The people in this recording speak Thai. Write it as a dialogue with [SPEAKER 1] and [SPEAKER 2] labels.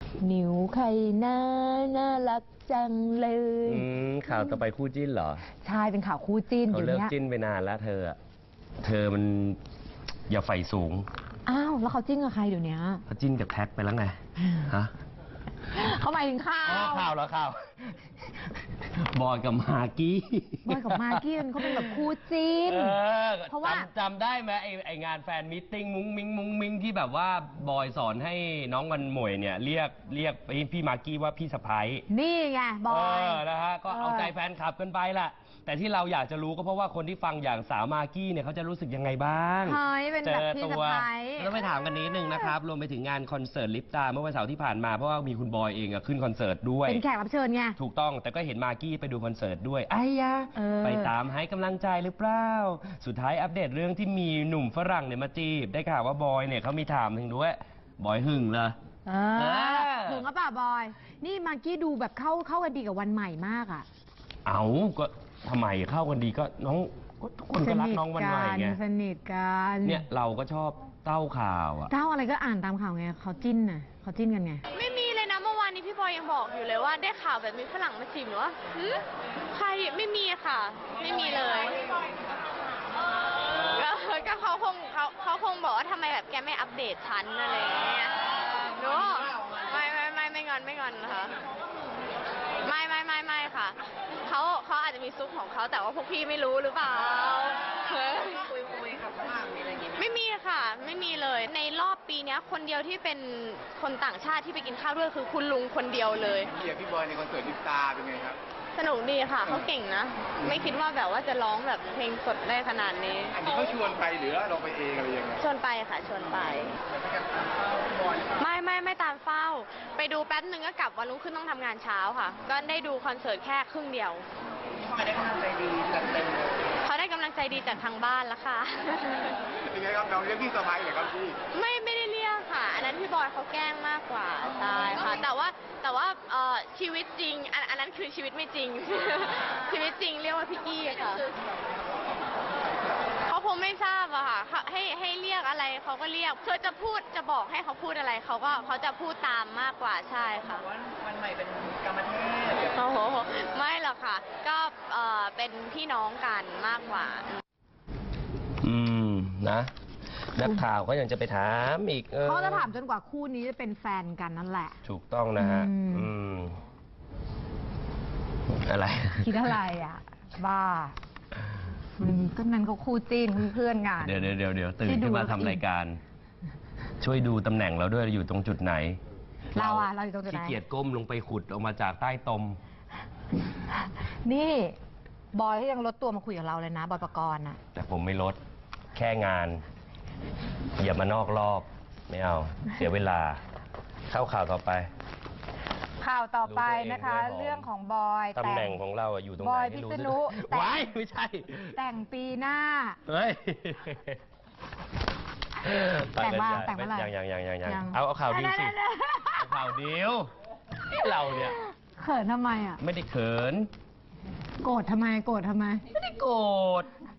[SPEAKER 1] นิวใครน่ารักจังเลย
[SPEAKER 2] ข่าวต่อไปคู่จิ้นเหรอ
[SPEAKER 1] ใช่เป็นข่าวคู่จิ้น
[SPEAKER 2] เขาเลิกจิ้นไปนานแล้วเธอมันอย่าใฝ่สูง
[SPEAKER 1] อ้าวแล้วเขาจิ้นกับใครเดี๋ยวนี้
[SPEAKER 2] เขาจิ้นกับแท็กไปแล้วไงฮะ
[SPEAKER 1] เขาหมายถึงข่
[SPEAKER 2] าวเหรอข่าวบอยกับมากกี้
[SPEAKER 1] บอยกับมากกี้เขาเป็นแบบคู่จิ้น
[SPEAKER 2] เพราะว่าจำได้ไหมไองานแฟนมิทติ้งมุ้งมิ้งที่แบบว่าบอยสอนให้น้องวันหมวยเนี่ยเรียกพี่มากกี้ว่าพี่สะพ้าย
[SPEAKER 1] นี่ไงบอย
[SPEAKER 2] นะฮะก็เอาใจแฟนคลับกันไปแหละแต่ที่เราอยากจะรู้ก็เพราะว่าคนที่ฟังอย่างสาวมากกี้เนี่ยเขาจะรู้สึกยังไงบ้าง
[SPEAKER 1] เป็นแบบพี่สะพ้าย
[SPEAKER 2] แล้วไปถามกันนิดนึงนะครับรวมไปถึงงานคอนเสิร์ตลิปตาเมื่อวันเสาร์ที่ผ่านมาเพราะว่ามีคุณบอยเองขึ้นคอนเสิร์ตด้วย
[SPEAKER 1] เป็นแขกรับเชิญไง
[SPEAKER 2] ถูกต้องแต่ก็เห็นมากกี้ไปดูคอนเสิร์ตด้วยไอ้ยะไปตามให้กำลังใจหรือเปล่าสุดท้ายอัปเดตเรื่องที่มีหนุ่มฝรั่งเนี่ยมาจีบได้ข่าวว่าบอยเนี่ยเขามีถามถึงด้วยบอยหึงเหรอ
[SPEAKER 1] หึงก็ป่ะบอยนี่มากกี้ดูแบบเข้ากันดีกับวันใหม่มากอ่ะ
[SPEAKER 2] เอาก็ทำไมเข้ากันดีก็น้องทุกคนก็รักน้องวันใหม่ไง
[SPEAKER 1] สนิทกัน
[SPEAKER 2] เนี่ยเราก็ชอบเต้าข่าว
[SPEAKER 1] เต้าอะไรก็อ่านตามข่าวไงเขาจิ้นกันไง
[SPEAKER 3] ไม่มีเลยนะเมื่อวานนี้พี่บอยยังบอกอยู่เลยว่าได้ข่าวแบบมีฝรั่งมาจีบหนูว่าใครไม่มีค่ะไม่มีเลยก็เขาคงบอกว่าทำไมแบบแกไม่อัปเดตฉันอะไรอย่างเงี้ยหนูไม่งอนนะคะไม่ค่ะเขาอาจจะมีซุปของเขาแต่ว่าพวกพี่ไม่รู้หรือเปล่าคุยกับฝรั่งอะไรอย่างเงี้ยไม่มีค่ะไม่มีเลยในรอบปีนี้คนเดียวที่เป็นคนต่างชาติที่ไปกินข้าวด้วยคือคุณลุงคนเดียวเลย
[SPEAKER 4] พี่บอยในคอนเสิร์ตลิปตาเป็นไงครับ
[SPEAKER 3] สนุกดีค่ะเขาเก่งนะไม่คิดว่าแบบว่าจะร้องแบบเพลงสดได้ขนาดนี้
[SPEAKER 4] อันนี้เขาชวนไปหรือเราไปเองอะไรยังไง
[SPEAKER 3] ชวนไปค่ะชวนไปไม่ตามเฝ้าไปดูแป๊บนึงก็กลับวันรุ่งขึ้นต้องทำงานเช้าค่ะก็ได้ดูคอนเสิร์ตแค่ครึ่งเดียว
[SPEAKER 4] เขาได้กำลังใจดีจัดเต็ม
[SPEAKER 3] เขาได้กำลังใจดีจากทางบ้านแล้วค่ะ
[SPEAKER 4] เป็นไงครับน้องเรียกพี่สะพ้ายเหรอครับพี่
[SPEAKER 3] ไม่ได้เรียกค่ะอันนั้นพี่บอยเขาแกล้งมากกว่าใช่ค่ะแต่ว่าชีวิตจริงอันนั้นคือชีวิตไม่จริงชีวิตจริงเรียกว่าพี่กี้ค่ะเขาคงไม่ทราบอะค่ะให้เรียกอะไรเขาก็เรียกเธอจะบอกให้เขาพูดอะไรเขาจะพูดตามมากกว่าใช่ค่ะ
[SPEAKER 4] วันใหม่เป็นกรรมเทพ
[SPEAKER 3] โอ้โหไม่หรอกค่ะก็เป็นพี่น้องกันมากกว่า
[SPEAKER 2] นะนักข่าวก็ยังจะไปถามอีก
[SPEAKER 1] เขาจะถามจนกว่าคู่นี้จะเป็นแฟนกันนั่นแหละ
[SPEAKER 2] ถูกต้องนะฮะอะไร
[SPEAKER 1] คิดอะไรอ่ะบ้าก็นั้นเขาคู่จิ้นเพื่อนกัน
[SPEAKER 2] เดี๋ยวตื่นขึ้นมาทำรายการช่วยดูตำแหน่งเราด้วยอยู่ตรงจุดไหน
[SPEAKER 1] เราอยู่ตรงจุดไหน
[SPEAKER 2] ขี้เกียจก้มลงไปขุดออกมาจากใต้ตม
[SPEAKER 1] นี่บอยยังลดตัวมาคุยกับเราเลยนะบอยปกรณ์อ่ะ
[SPEAKER 2] แต่ผมไม่ลดแค่งานอย่ามานอกรอบไม่เอาเสียเวลาเข้าข่าวต่อไป
[SPEAKER 1] ข่าวต่อไปนะคะเรื่องของบอย
[SPEAKER 2] ตำแหน่งของเราอยู่ตรงไหน
[SPEAKER 1] บอยพิษณุ
[SPEAKER 2] ไม่ใช่
[SPEAKER 1] แต่งปีหน้า
[SPEAKER 2] เฮ้ย
[SPEAKER 1] แต่งเมื่อไหร่
[SPEAKER 2] ยังเอาข่าวดีสิเอาข่าวเดียวเราเนี่ย
[SPEAKER 1] เขินทำไมอ่ะ
[SPEAKER 2] ไม่ได้เขิน
[SPEAKER 1] โกรธทำไม
[SPEAKER 2] ไม่ได้โกรธ